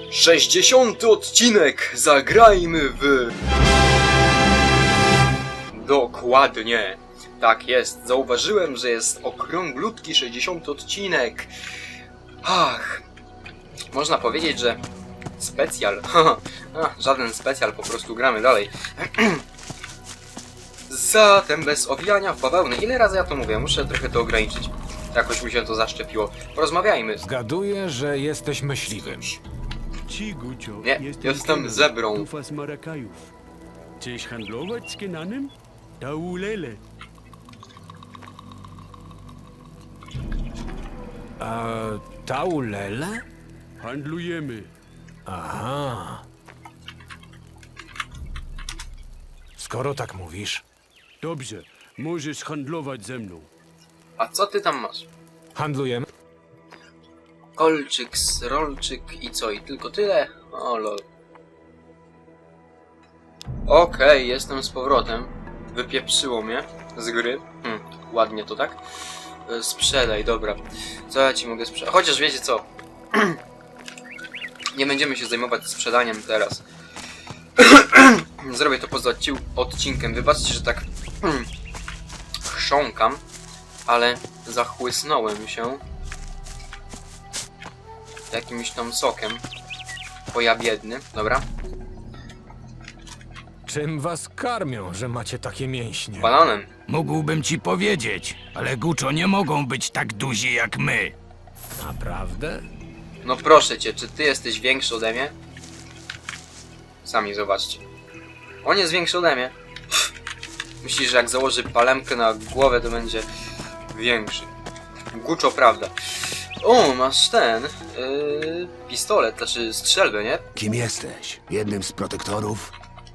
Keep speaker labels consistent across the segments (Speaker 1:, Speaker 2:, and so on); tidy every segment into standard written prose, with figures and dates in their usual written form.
Speaker 1: 60. odcinek! Zagrajmy w... Dokładnie. Tak jest. Zauważyłem, że jest okrąglutki 60. odcinek. Ach. Można powiedzieć, że... Specjal. Żaden specjal, po prostu gramy dalej. Zatem bez owijania w bawełnę. Ile razy ja to mówię? Muszę trochę to ograniczyć. Jakoś mi się to zaszczepiło. Porozmawiajmy.
Speaker 2: Zgaduję, że jesteś myśliwym.
Speaker 1: Nie, jestem zebrą.
Speaker 3: Chcesz handlować z Kenanem? Taulele.
Speaker 2: Taulele?
Speaker 3: Handlujemy.
Speaker 2: Aha. Skoro tak mówisz,
Speaker 3: Dobrze, możesz handlować ze mną.
Speaker 1: A co ty tam masz?
Speaker 2: handlujemy.
Speaker 1: Kolczyk, rolczyk i co? I tylko tyle? O lol. Okej, jestem z powrotem. Wypieprzyło mnie z gry. Ładnie to tak? Sprzedaj, dobra. Co ja ci mogę sprzedać? Chociaż wiecie co? Nie będziemy się zajmować sprzedaniem teraz. Zrobię to poza odcinkiem. Wybaczcie, że tak chrząkam, ale zachłysnąłem się jakimś tam sokiem. Bo ja biedny, dobra.
Speaker 2: Czym was karmią, że macie takie mięśnie?
Speaker 1: Bananem.
Speaker 4: Mógłbym ci powiedzieć, ale Guczo nie mogą być tak duzi jak my.
Speaker 2: Naprawdę?
Speaker 1: No proszę cię, czy ty jesteś większy ode mnie? Sami zobaczcie. On jest większy ode mnie. Myślisz, że jak założy palemkę na głowę, to będzie większy. Guczo, prawda. O, masz ten... pistolet, znaczy strzelbę, nie?
Speaker 5: Kim jesteś? Jednym z protektorów?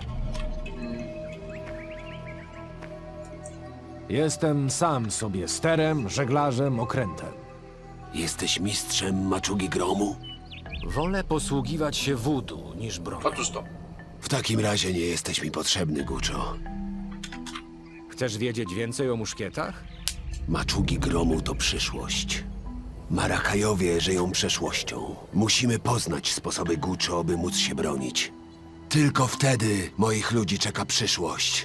Speaker 2: Jestem sam sobie sterem, żeglarzem, okrętem.
Speaker 5: Jesteś mistrzem maczugi gromu?
Speaker 2: Wolę posługiwać się wudu niż bronią.
Speaker 1: Otóż to.
Speaker 5: W takim razie nie jesteś mi potrzebny, Guczo.
Speaker 2: Chcesz wiedzieć więcej o muszkietach?
Speaker 5: Maczugi gromu to przyszłość. Marakajowie żyją przeszłością. Musimy poznać sposoby Guczo, by móc się bronić. Tylko wtedy moich ludzi czeka przyszłość.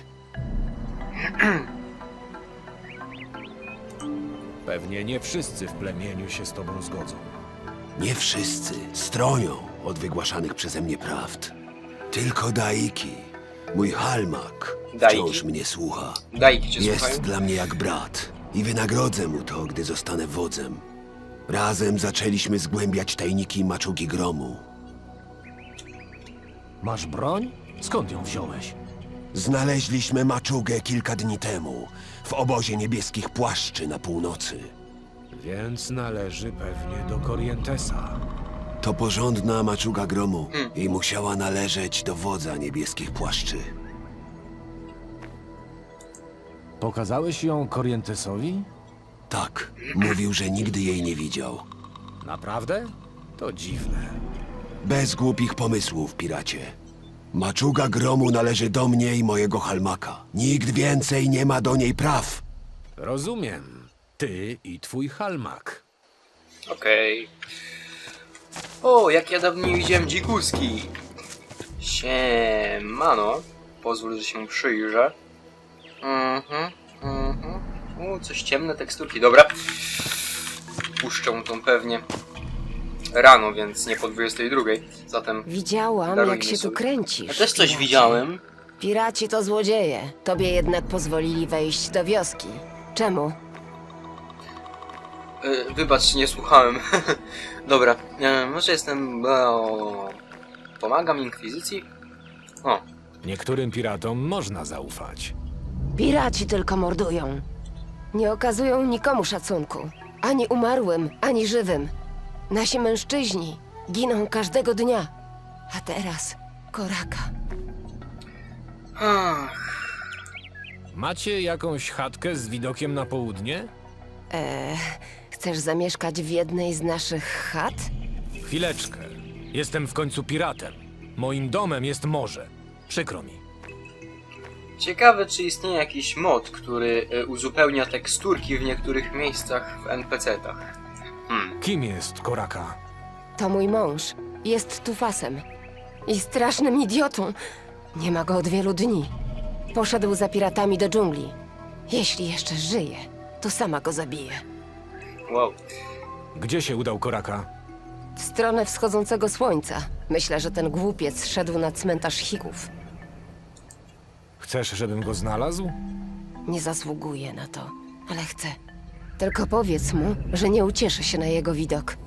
Speaker 2: Pewnie nie wszyscy w plemieniu się z tobą zgodzą.
Speaker 5: Nie wszyscy stronią od wygłaszanych przeze mnie prawd. Tylko Daiki, mój halmak,
Speaker 1: Daiki?
Speaker 5: wciąż mnie słucha.
Speaker 1: Dajki cię
Speaker 5: Jest
Speaker 1: słuchają.
Speaker 5: dla mnie jak brat i wynagrodzę mu to, gdy zostanę wodzem. Razem zaczęliśmy zgłębiać tajniki maczugi gromu.
Speaker 2: Masz broń? Skąd ją wziąłeś?
Speaker 5: Znaleźliśmy maczugę kilka dni temu w obozie niebieskich płaszczy na północy.
Speaker 2: Więc należy pewnie do Corrientesa.
Speaker 5: To porządna maczuga gromu i musiała należeć do wodza niebieskich płaszczy.
Speaker 2: Pokazałeś ją Corrientesowi?
Speaker 5: Tak, mówił, że nigdy jej nie widział.
Speaker 2: Naprawdę? To dziwne.
Speaker 5: Bez głupich pomysłów, piracie. Maczuga gromu należy do mnie i mojego halmaka. Nikt więcej nie ma do niej praw.
Speaker 2: Rozumiem. Ty i twój halmak.
Speaker 1: Okej. O, jak ja dawno nie widziałem dzikuski. Siemano. Pozwól, że się przyjrzę. O, coś ciemne teksturki. Dobra. Puszczę tą pewnie rano, więc nie po 22. Zatem
Speaker 6: Widziałam,
Speaker 1: darujmy
Speaker 6: jak się tu
Speaker 1: sobie.
Speaker 6: kręcisz.
Speaker 1: Ja też coś
Speaker 6: piracie.
Speaker 1: widziałem.
Speaker 6: Piraci to złodzieje. Tobie jednak pozwolili wejść do wioski. Czemu?
Speaker 1: Wybacz, nie słuchałem. Dobra, może jestem... Pomagam Inkwizycji? O,
Speaker 2: Niektórym piratom można zaufać.
Speaker 6: Piraci tylko mordują. Nie okazują nikomu szacunku. Ani umarłym, ani żywym. Nasi mężczyźni giną każdego dnia. A teraz Koraka.
Speaker 1: ach,
Speaker 2: Macie jakąś chatkę z widokiem na południe?
Speaker 6: Chcesz zamieszkać w jednej z naszych chat?
Speaker 2: Chwileczkę. Jestem w końcu piratem. Moim domem jest morze. Przykro mi.
Speaker 1: ciekawe, czy istnieje jakiś mod, który uzupełnia teksturki w niektórych miejscach w NPC-tach.
Speaker 2: Kim jest Koraka?
Speaker 6: To mój mąż. Jest Tufasem. I strasznym idiotą. Nie ma go od wielu dni. Poszedł za piratami do dżungli. Jeśli jeszcze żyje, to sama go zabije.
Speaker 1: Wow.
Speaker 2: Gdzie się udał Koraka?
Speaker 6: W stronę wschodzącego słońca. Myślę, że ten głupiec szedł na cmentarz Hików.
Speaker 2: Chcesz, żebym go znalazł?
Speaker 6: Nie zasługuje na to, ale chcę. Tylko powiedz mu, że nie ucieszę się na jego widok.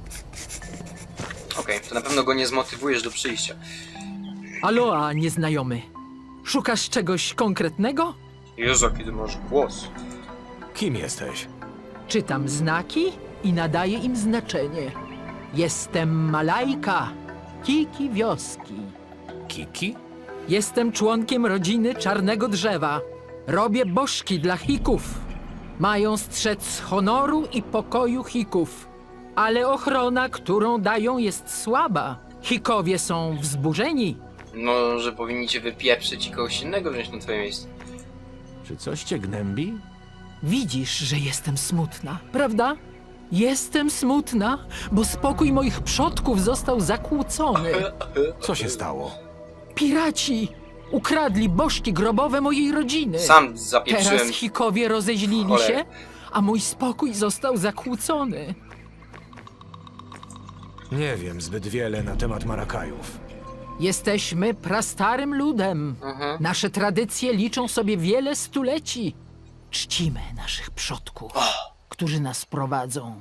Speaker 1: Okej, to na pewno go nie zmotywujesz do przyjścia.
Speaker 7: Aloha, nieznajomy. Szukasz czegoś konkretnego?
Speaker 1: Jezu, kiedy masz głos.
Speaker 2: Kim jesteś?
Speaker 7: Czytam znaki i nadaję im znaczenie. Jestem Malajka, Kiki wioski.
Speaker 2: Kiki?
Speaker 7: Jestem członkiem rodziny Czarnego Drzewa. Robię bożki dla Hików. Mają strzec honoru i pokoju Hików. Ale ochrona, którą dają, jest słaba. Hikowie są wzburzeni.
Speaker 1: No, że powinni cię wypieprzyć i kogoś innego wziąć na twoje miejsce.
Speaker 2: Czy coś cię gnębi?
Speaker 7: Widzisz, że jestem smutna, prawda? Jestem smutna, bo spokój moich przodków został zakłócony.
Speaker 2: Co się stało?
Speaker 7: Piraci ukradli bożki grobowe mojej rodziny.
Speaker 1: Sam zapieprzyłem.
Speaker 7: Teraz Hikowie rozeźlili
Speaker 1: Cholera.
Speaker 7: się, a mój spokój został zakłócony.
Speaker 2: Nie wiem zbyt wiele na temat Marakajów.
Speaker 7: Jesteśmy prastarym ludem.
Speaker 1: Mhm.
Speaker 7: Nasze tradycje liczą sobie wiele stuleci. Czcimy naszych przodków, którzy nas prowadzą.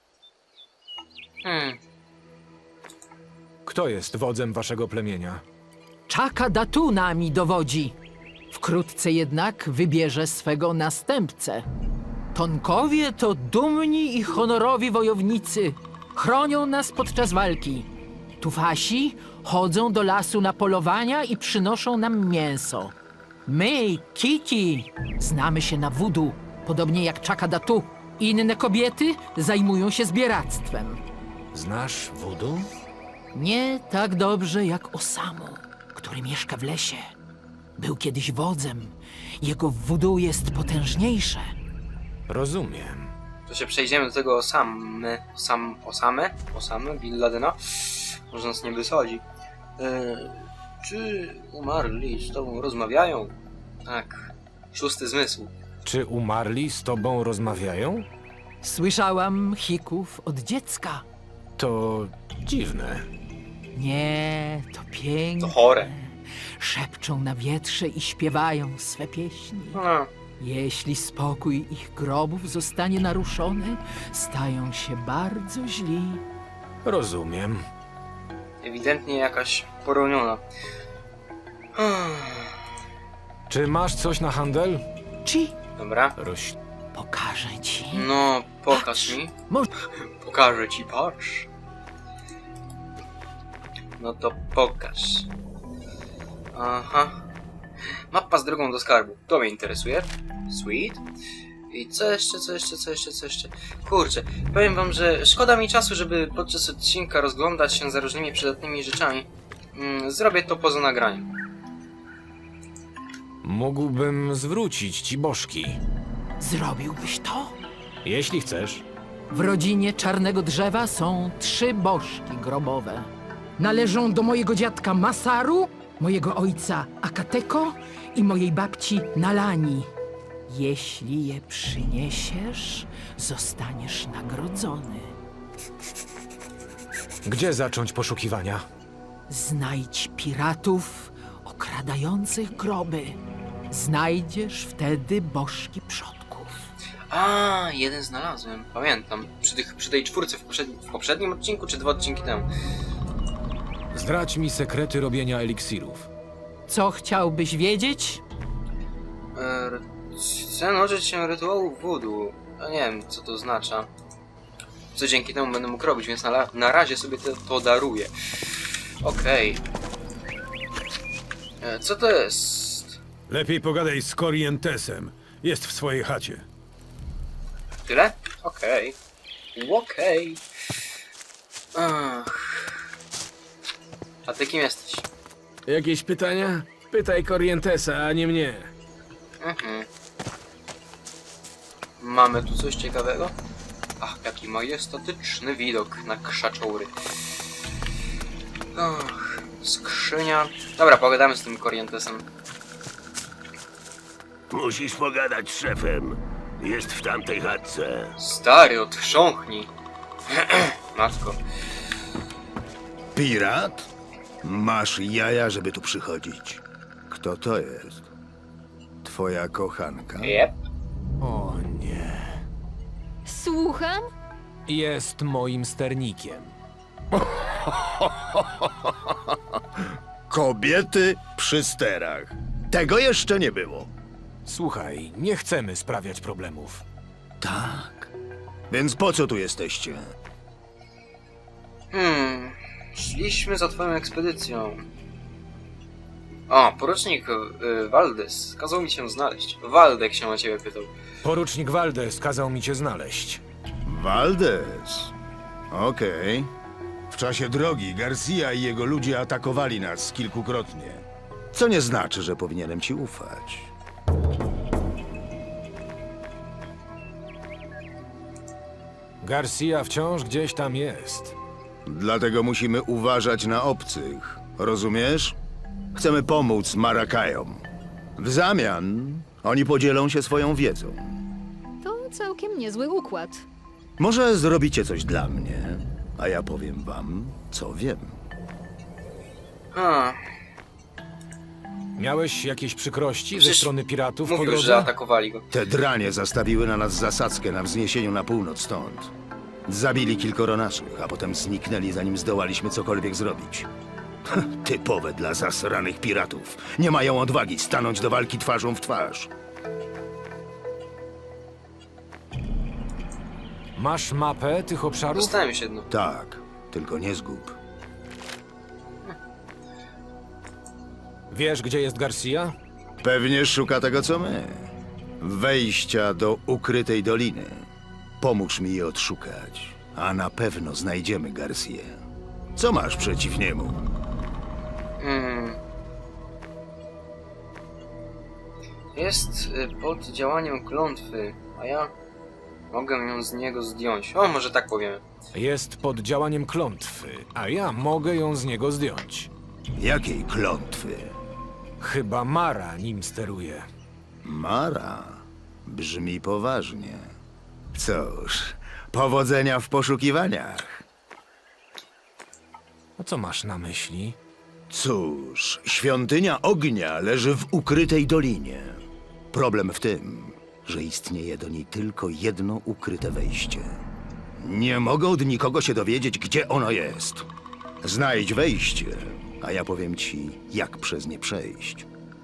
Speaker 2: Kto jest wodzem waszego plemienia?
Speaker 7: Czaka Datu nami dowodzi. Wkrótce jednak wybierze swego następcę. Tonkowie to dumni i honorowi wojownicy. Chronią nas podczas walki. Tufasi chodzą do lasu na polowania i przynoszą nam mięso. My, Kiki, znamy się na wudu, podobnie jak Czaka Datu. Inne kobiety zajmują się zbieractwem.
Speaker 2: Znasz wudu?
Speaker 7: Nie tak dobrze jak Osamu, który mieszka w lesie. Był kiedyś wodzem. Jego wudu jest potężniejsze.
Speaker 2: Rozumiem.
Speaker 1: To się przejdziemy do tego Osamy Bin Ladena. Może nas nie wysadzi. Czy umarli z tobą rozmawiają? Tak. Szósty zmysł.
Speaker 2: Czy umarli z tobą rozmawiają?
Speaker 7: Słyszałam Hików od dziecka.
Speaker 2: To dziwne.
Speaker 7: Nie, to piękne.
Speaker 1: To chore.
Speaker 7: Szepczą na wietrze i śpiewają swe pieśni.
Speaker 1: No.
Speaker 7: Jeśli spokój ich grobów zostanie naruszony, stają się bardzo źli.
Speaker 2: Rozumiem.
Speaker 1: Ewidentnie jakaś poroniona.
Speaker 2: Czy masz coś na handel?
Speaker 7: Ci,
Speaker 1: Dobra.
Speaker 7: pokażę ci.
Speaker 1: No, pokaż mi.
Speaker 7: Może
Speaker 1: Pokażę ci, patrz. No to pokaż. Aha. Mapa z drogą do skarbu. To mnie interesuje. Sweet. I co jeszcze? Kurczę, powiem wam, że szkoda mi czasu, żeby podczas odcinka rozglądać się za różnymi przydatnymi rzeczami. Zrobię to poza nagraniem.
Speaker 2: Mógłbym zwrócić ci bożki.
Speaker 7: zrobiłbyś to?
Speaker 2: Jeśli chcesz.
Speaker 7: W rodzinie Czarnego Drzewa są 3 bożki grobowe. Należą do mojego dziadka Masaru, mojego ojca Akateko i mojej babci Nalani. Jeśli je przyniesiesz, zostaniesz nagrodzony.
Speaker 2: Gdzie zacząć poszukiwania?
Speaker 7: Znajdź piratów okradających groby. Znajdziesz wtedy bożki przodków.
Speaker 1: A, jeden znalazłem. Pamiętam. Przy tej czwórce w poprzednim odcinku, czy 2 odcinki temu.
Speaker 2: Zdradź mi sekrety robienia eliksirów.
Speaker 7: Co chciałbyś wiedzieć?
Speaker 1: Chcę nauczyć się rytuału voodoo. A nie wiem, co to oznacza. Co dzięki temu będę mógł robić, więc na razie sobie to daruję. Okej. Co to jest?
Speaker 8: Lepiej pogadaj z Corrientesem. Jest w swojej chacie.
Speaker 1: Tyle? Okej. Okej. Ach. A ty kim jesteś?
Speaker 8: Jakieś pytania? Pytaj Corrientesa, a nie mnie.
Speaker 1: Mhm. Mamy tu coś ciekawego? Ach, jaki majestatyczny widok na krzaczory. Och, skrzynia. Dobra, pogadamy z tym Corrientesem.
Speaker 9: Musisz pogadać z szefem. Jest w tamtej chatce.
Speaker 1: Stary, otrząchnij. Matko.
Speaker 9: Pirat? Masz jaja, żeby tu przychodzić. Kto to jest? Twoja kochanka?
Speaker 1: Jep.
Speaker 2: O nie.
Speaker 10: Słucham?
Speaker 2: Jest moim sternikiem.
Speaker 9: Kobiety przy sterach. Tego jeszcze nie było.
Speaker 2: Słuchaj, nie chcemy sprawiać problemów.
Speaker 9: Tak. Więc po co tu jesteście?
Speaker 1: Szliśmy za twoją ekspedycją. O, porucznik Valdez kazał mi cię znaleźć. Waldek się o ciebie pytał.
Speaker 2: Porucznik Valdez kazał mi cię znaleźć.
Speaker 9: Valdez. Okej. W czasie drogi Garcia i jego ludzie atakowali nas kilkukrotnie. Co nie znaczy, że powinienem ci ufać.
Speaker 2: Garcia wciąż gdzieś tam jest.
Speaker 9: Dlatego musimy uważać na obcych. Rozumiesz? Chcemy pomóc Marakajom. W zamian oni podzielą się swoją wiedzą.
Speaker 10: To całkiem niezły układ.
Speaker 9: Może zrobicie coś dla mnie, a ja powiem wam, co wiem.
Speaker 1: A,
Speaker 2: Miałeś jakieś przykrości ze
Speaker 1: Przecież
Speaker 2: strony piratów po
Speaker 1: mówił,
Speaker 2: drodze?
Speaker 1: że atakowali go.
Speaker 9: Te dranie zastawiły na nas zasadzkę na wzniesieniu na północ stąd. Zabili kilkoro naszych, a potem zniknęli, zanim zdołaliśmy cokolwiek zrobić. Typowe dla zasranych piratów. Nie mają odwagi stanąć do walki twarzą w twarz.
Speaker 2: Masz mapę tych obszarów?
Speaker 1: Dostałem już jedno.
Speaker 9: Tak, tylko nie zgub.
Speaker 2: Wiesz, gdzie jest Garcia?
Speaker 9: Pewnie szuka tego, co my. Wejścia do ukrytej doliny. Pomóż mi je odszukać, a na pewno znajdziemy Garcję. Co masz przeciw niemu?
Speaker 1: Jest pod działaniem klątwy, a ja mogę ją z niego zdjąć. O, może tak powiemy.
Speaker 2: Jest pod działaniem klątwy, a ja mogę ją z niego zdjąć.
Speaker 9: Jakiej klątwy?
Speaker 2: Chyba Mara nim steruje.
Speaker 9: Mara? Brzmi poważnie. Cóż, powodzenia w poszukiwaniach.
Speaker 2: A co masz na myśli?
Speaker 9: Cóż, świątynia ognia leży w ukrytej dolinie. Problem w tym, że istnieje do niej tylko jedno ukryte wejście. Nie mogę od nikogo się dowiedzieć, gdzie ono jest. Znajdź wejście, a ja powiem ci, jak przez nie przejść.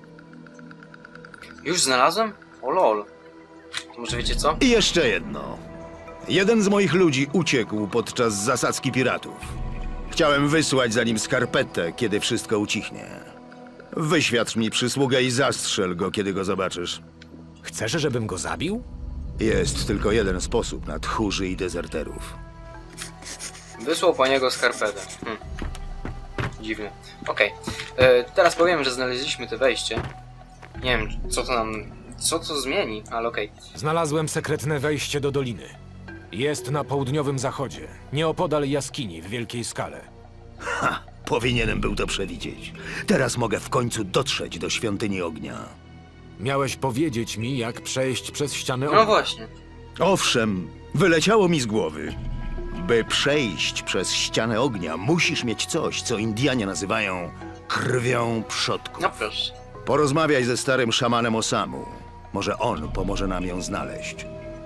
Speaker 1: Już znalazłem? O lol. To może wiecie co?
Speaker 9: I jeszcze jedno. Jeden z moich ludzi uciekł podczas zasadzki piratów. Chciałem wysłać za nim skarpetę, kiedy wszystko ucichnie. Wyświadcz mi przysługę i zastrzel go, kiedy go zobaczysz.
Speaker 2: Chcesz, żebym go zabił?
Speaker 9: Jest tylko jeden sposób na tchórzy i dezerterów.
Speaker 1: Wysłał po niego skarpetę. Dziwne. Okej. Teraz powiem, że znaleźliśmy to wejście. Nie wiem, co to zmieni, ale okej.
Speaker 2: Znalazłem sekretne wejście do doliny. Jest na południowym zachodzie, nieopodal jaskini w wielkiej skale.
Speaker 9: Ha! Powinienem był to przewidzieć. Teraz mogę w końcu dotrzeć do świątyni ognia.
Speaker 2: Miałeś powiedzieć mi, jak przejść przez ścianę
Speaker 1: No
Speaker 2: ognia.
Speaker 1: właśnie.
Speaker 9: Owszem, wyleciało mi z głowy. By przejść przez ścianę ognia, musisz mieć coś, co Indianie nazywają krwią przodków.
Speaker 1: No proszę.
Speaker 9: Porozmawiaj ze starym szamanem Osamu. Może on pomoże nam ją znaleźć.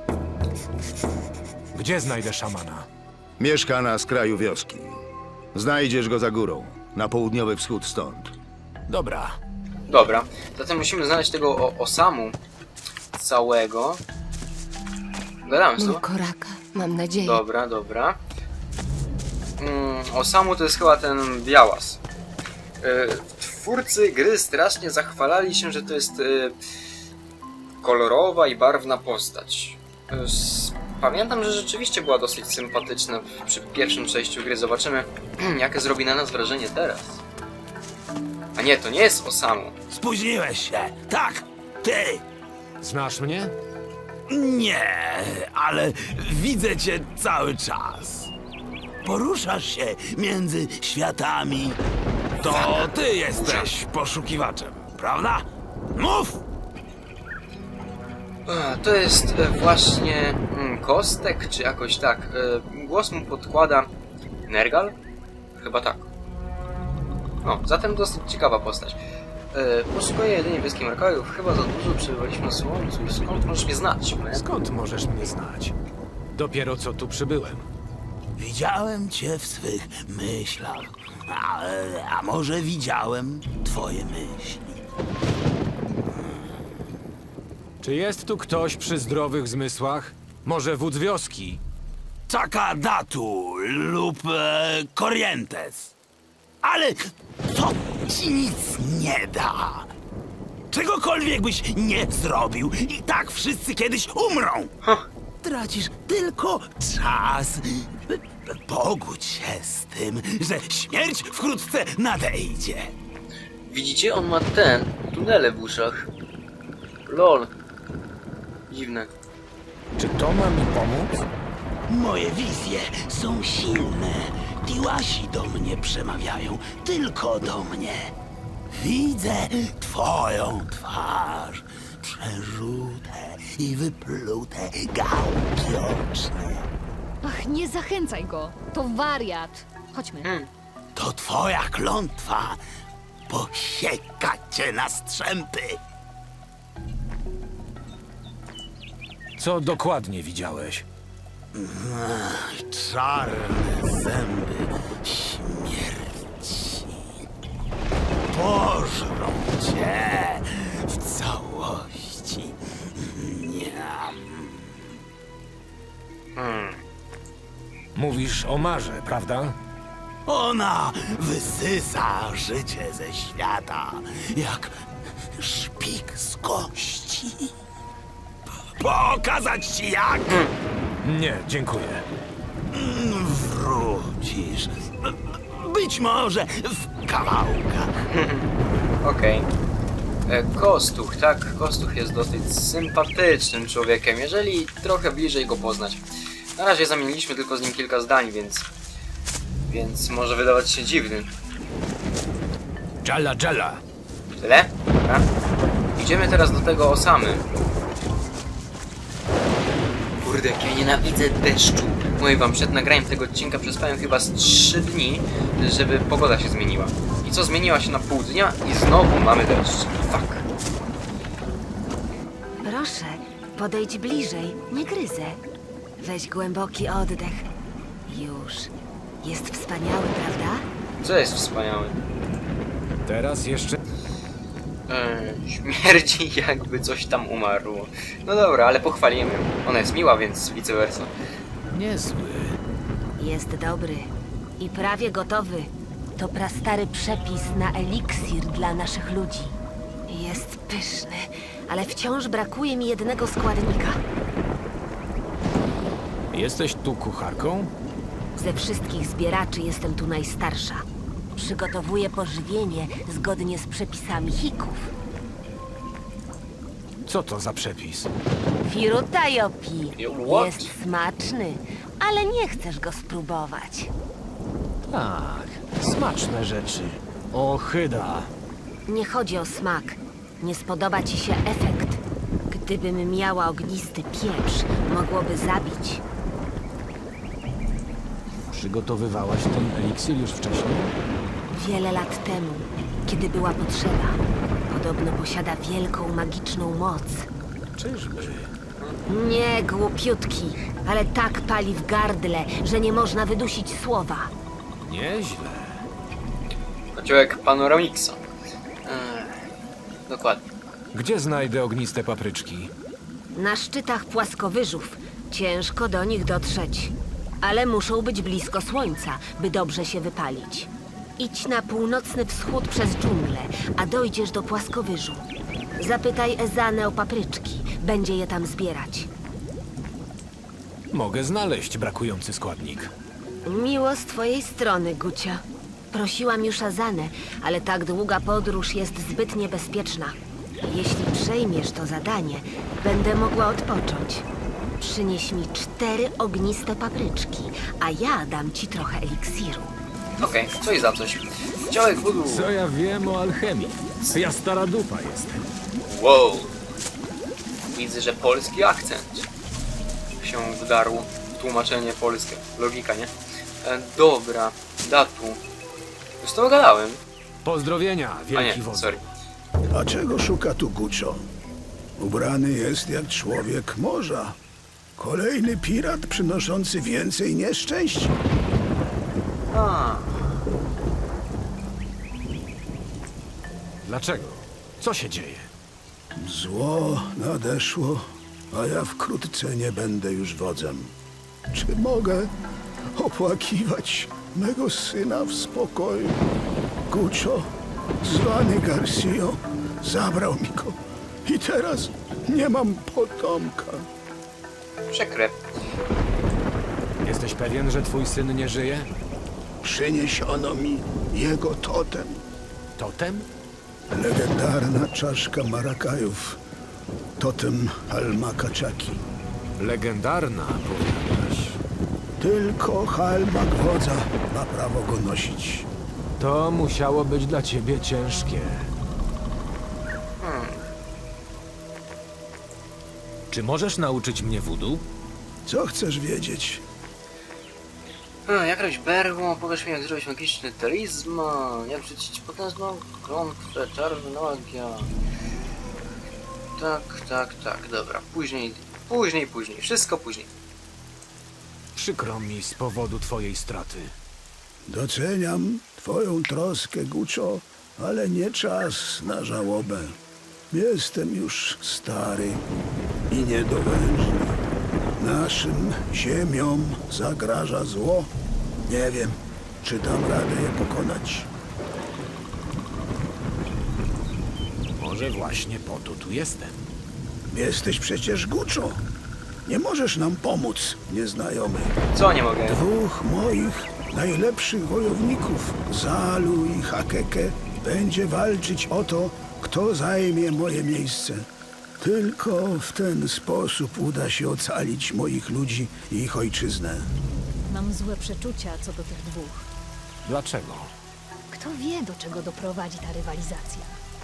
Speaker 2: Gdzie znajdę szamana?
Speaker 9: Mieszka na skraju wioski. Znajdziesz go za górą, na południowy wschód stąd.
Speaker 2: Dobra.
Speaker 1: Dobra. Zatem musimy znaleźć tego Osamu całego. Gadamy z
Speaker 6: Mój
Speaker 1: tobą?
Speaker 6: koraka, mam nadzieję.
Speaker 1: Dobra. Osamu to jest chyba ten białas. Twórcy gry strasznie zachwalali się, że to jest kolorowa i barwna postać. Pamiętam, że rzeczywiście była dosyć sympatyczna przy pierwszym przejściu gry. Zobaczymy, jakie zrobi na nas wrażenie teraz. A nie, to nie jest Osamu.
Speaker 4: Spóźniłeś się. Tak, ty.
Speaker 2: Znasz mnie?
Speaker 4: Nie, ale widzę cię cały czas.
Speaker 11: poruszasz się między światami. To ty jesteś poszukiwaczem, prawda? Mów!
Speaker 1: To jest właśnie Kostek, czy jakoś tak. Głos mu podkłada Nergal? Chyba tak. O, zatem dosyć ciekawa postać. Poszukuję jedynie wioski Markajów. Chyba za dużo przebywaliśmy na Słońcu. Skąd możesz mnie znać?
Speaker 2: Skąd możesz mnie znać? Dopiero co tu przybyłem.
Speaker 11: Widziałem cię w swych myślach. A może widziałem twoje myśli?
Speaker 2: Czy jest tu ktoś przy zdrowych zmysłach? Może wódz wioski?
Speaker 11: Takadatu lub Corrientes. Ale to ci nic nie da. Czegokolwiek byś nie zrobił, i tak wszyscy kiedyś umrą. Tracisz tylko czas. Pogódź się z tym, że śmierć wkrótce nadejdzie.
Speaker 1: Widzicie? On ma tunele w uszach. Lol. Dziwne.
Speaker 2: Czy to ma mi pomóc?
Speaker 11: Moje wizje są silne. Tiłasi do mnie przemawiają, tylko do mnie. Widzę twoją twarz, przerzute i wyplute gałki oczne.
Speaker 10: Ach, nie zachęcaj go. To wariat. Chodźmy.
Speaker 11: To twoja klątwa. Posieka cię na strzępy.
Speaker 2: Co dokładnie widziałeś?
Speaker 11: Czarne zęby śmierci pożrą cię w całości.
Speaker 2: Mówisz o Marze, prawda?
Speaker 11: Ona wysysa życie ze świata, jak szpik z kości. Pokazać ci jak?
Speaker 2: Nie, dziękuję.
Speaker 11: Wrócisz. Być może w kawałkach.
Speaker 1: Okej. Kostuch, tak? Kostuch jest dosyć sympatycznym człowiekiem, jeżeli trochę bliżej go poznać. Na razie zamieniliśmy tylko z nim kilka zdań, więc może wydawać się dziwny.
Speaker 4: Jalla, Jalla.
Speaker 1: Tyle? Dobra. Idziemy teraz do tego Osamy. Kurde, jak ja nienawidzę deszczu. Mówię wam, przed nagraniem tego odcinka przespałem chyba z 3 dni, żeby pogoda się zmieniła. I co, zmieniła się na pół dnia i znowu mamy deszcz. Fuck.
Speaker 6: Proszę, podejdź bliżej, nie gryzę. Weź głęboki oddech. Już. Jest wspaniały, prawda?
Speaker 1: Co jest wspaniałe?
Speaker 2: Teraz jeszcze...
Speaker 1: Śmierdzi, jakby coś tam umarło. No dobra, ale pochwalimy. Ona jest miła, więc vice versa.
Speaker 2: Niezły.
Speaker 6: Jest dobry. I prawie gotowy. To prastary przepis na eliksir dla naszych ludzi. Jest pyszny, ale wciąż brakuje mi jednego składnika.
Speaker 2: Jesteś tu kucharką?
Speaker 6: Ze wszystkich zbieraczy jestem tu najstarsza. Przygotowuję pożywienie zgodnie z przepisami Hików.
Speaker 2: Co to za przepis?
Speaker 6: Firutajopi.
Speaker 1: What?
Speaker 6: Jest smaczny, ale nie chcesz go spróbować.
Speaker 2: Tak, smaczne rzeczy. Ochyda.
Speaker 6: Nie chodzi o smak. Nie spodoba ci się efekt. Gdybym miała ognisty pieprz, mogłoby zabić.
Speaker 2: Przygotowywałaś ten eliksir już wcześniej?
Speaker 6: Wiele lat temu, kiedy była potrzeba. Podobno posiada wielką, magiczną moc.
Speaker 2: Czyżby?
Speaker 6: Nie, głupiutki, ale tak pali w gardle, że nie można wydusić słowa.
Speaker 2: Nieźle.
Speaker 1: Kociołek Panoramixa. Dokładnie.
Speaker 2: Gdzie znajdę ogniste papryczki?
Speaker 6: Na szczytach płaskowyżów. Ciężko do nich dotrzeć. Ale muszą być blisko słońca, by dobrze się wypalić. Idź na północny wschód przez dżunglę, a dojdziesz do płaskowyżu. Zapytaj Ezanę o papryczki. Będzie je tam zbierać.
Speaker 2: Mogę znaleźć brakujący składnik.
Speaker 6: Miło z twojej strony, Gucia. Prosiłam już Ezanę, ale tak długa podróż jest zbyt niebezpieczna. Jeśli przejmiesz to zadanie, będę mogła odpocząć.
Speaker 12: Przynieś mi 4 ogniste papryczki, a ja dam ci trochę eliksiru.
Speaker 1: Okej, coś za coś. Działek voodoo.
Speaker 2: Co ja wiem o alchemii? Ja stara dupa jestem.
Speaker 1: Wow. Widzę, że polski akcent się wdarł w tłumaczenie polskie. Logika, nie? Dobra, Datu. Już to gadałem.
Speaker 2: Pozdrowienia,
Speaker 1: A
Speaker 2: wielki
Speaker 1: nie,
Speaker 2: wodzu.
Speaker 1: sorry.
Speaker 13: A czego szuka tu Guccio? Ubrany jest jak człowiek morza. Kolejny pirat przynoszący więcej nieszczęść?
Speaker 1: A,
Speaker 2: Dlaczego? Co się dzieje?
Speaker 13: Zło nadeszło, a ja wkrótce nie będę już wodzem. Czy mogę opłakiwać mego syna w spokoju? Guccio, zwany Garcio, zabrał mi go i teraz nie mam potomka.
Speaker 1: przykre.
Speaker 2: Jesteś pewien, że twój syn nie żyje?
Speaker 13: Przyniesiono mi jego totem.
Speaker 2: Totem?
Speaker 13: Legendarna czaszka Marakajów. Totem Halmakaczaki.
Speaker 2: Legendarna, powiadasz.
Speaker 13: Tylko Halmak wodza ma prawo go nosić.
Speaker 2: To musiało być dla ciebie ciężkie. Czy możesz nauczyć mnie voodoo?
Speaker 13: Co chcesz wiedzieć?
Speaker 1: Jak robić berło, powiesz mi jak zrobić magiczny talizman, jak rzucić potężną klątwę, czarna magia. Tak, dobra. Później, wszystko później.
Speaker 2: Przykro mi z powodu twojej straty.
Speaker 13: Doceniam twoją troskę, Guccio, ale nie czas na żałobę. Jestem już stary i niedołężny. Naszym ziemiom zagraża zło. Nie wiem, czy dam radę je pokonać.
Speaker 2: Może właśnie po to tu jestem.
Speaker 13: Jesteś przecież Guccio. Nie możesz nam pomóc, nieznajomy.
Speaker 1: Co nie mogę?
Speaker 13: 2 moich najlepszych wojowników, Zalu i Hakeke, będzie walczyć o to, kto zajmie moje miejsce. Tylko w ten sposób uda się ocalić moich ludzi i ich ojczyznę.
Speaker 10: Mam złe przeczucia co do tych 2.
Speaker 2: Dlaczego?
Speaker 10: Kto wie, do czego doprowadzi ta rywalizacja?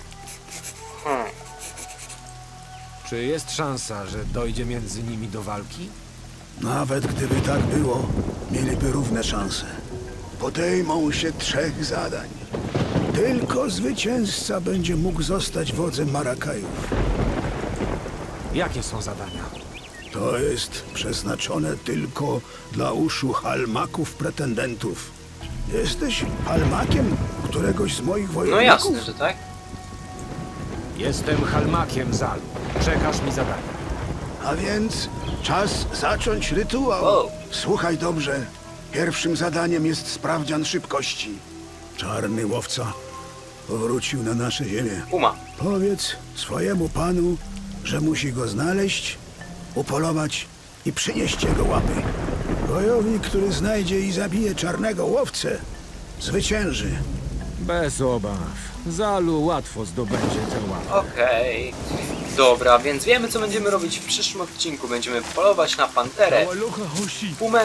Speaker 2: Czy jest szansa, że dojdzie między nimi do walki?
Speaker 13: Nawet gdyby tak było, mieliby równe szanse. Podejmą się 3 zadań. Tylko zwycięzca będzie mógł zostać wodzem Marakajów.
Speaker 2: Jakie są zadania?
Speaker 13: To jest przeznaczone tylko dla uszu halmaków pretendentów. Jesteś halmakiem któregoś z moich
Speaker 1: No
Speaker 13: wojowników?
Speaker 1: jasne, że tak.
Speaker 2: Jestem Halmakiem Zalu. Przekaż mi zadanie.
Speaker 13: A więc czas zacząć rytuał.
Speaker 1: Wow.
Speaker 13: Słuchaj dobrze. Pierwszym zadaniem jest sprawdzian szybkości. Czarny łowca powrócił na nasze ziemię.
Speaker 1: Puma.
Speaker 13: Powiedz swojemu panu, że musi go znaleźć, upolować i przynieść jego łapy. Wojownik, który znajdzie i zabije czarnego łowcę, zwycięży.
Speaker 2: Bez obaw. Zalu łatwo zdobędzie tę łapę.
Speaker 1: Okej. Dobra, więc wiemy co będziemy robić w przyszłym odcinku. Będziemy polować na panterę, pumę,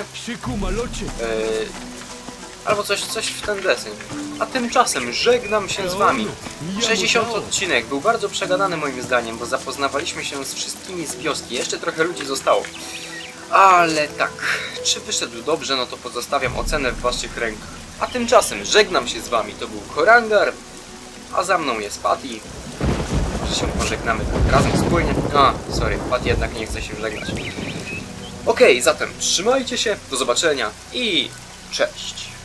Speaker 1: albo coś w ten deseń. A tymczasem żegnam się z wami. 60 odcinek był bardzo przegadany moim zdaniem, bo zapoznawaliśmy się z wszystkimi z wioski. Jeszcze trochę ludzi zostało. Ale tak, czy wyszedł dobrze, no to pozostawiam ocenę w waszych rękach. A tymczasem żegnam się z wami. To był Korangar, a za mną jest Patty. Może się pożegnamy tak razem wspólnie. Sorry, Patty jednak nie chce się żegnać. Okej, zatem trzymajcie się, do zobaczenia i cześć.